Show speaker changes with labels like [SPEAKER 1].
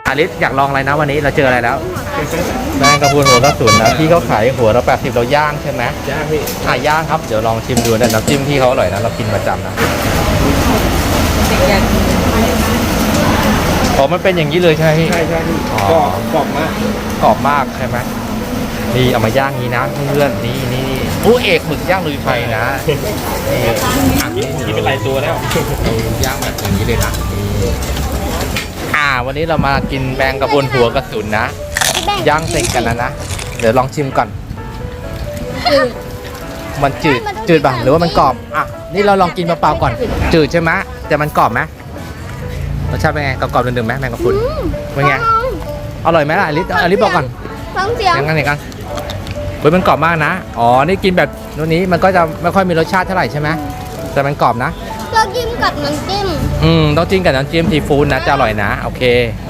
[SPEAKER 1] อาริสอยากลองอะไรนะวันนี้เราเจออะไรแล้วแมงกะพรุนหัวกระสุนนะพี่เขาขายหัวละ80เราย่างใช่ไหมย่างพี่ย่างครับเดี๋ยวลองชิมดูนะน้ำจิ้มพี่เขาอร่อยนะเรากินประจำนะอ๋อมันเป็นอย่างนี้เลยใช่ไหมพี่ใช่กรอบมากกรอบมากใช่ไหมนี่เอามาย่างนี้นะเพื่อนๆนี่ผู้เอกหมึกย่างลุยไฟนะนี่เป็นลายตัวแล้วย่างแบบอย่างนี้เลยนะวันนี้เรามากินแมงกะพรุนหัวกระสุนนะย่างเสร็จกันนะเดี๋ยวลองชิมก่อนมันจืดบ้างหรือว่ามันกรอบนี่เราลองกินเปล่าๆก่อนจืดใช่ไหมแต่มันกรอบไหมรสชาติเป็นไงกรอบๆดึงๆไหมแมงกะพรุนเป็นไงอร่อยไหมล่ะอลิสบอกก่อน
[SPEAKER 2] ฟังเสียง
[SPEAKER 1] ยังไงกันเฮ้ยมันกรอบมากนะนี่กินแบบนี้มันก็จะไม่ค่อยมีรสชาติเท่าไหร่ใช่ไหมแต่มันกรอบนะ
[SPEAKER 2] เราจิ้มกับน้ำจิ้ม
[SPEAKER 1] ต้องจิ้มกับน้ำจิ้มซีฟู้ดนะจะอร่อยนะโอเค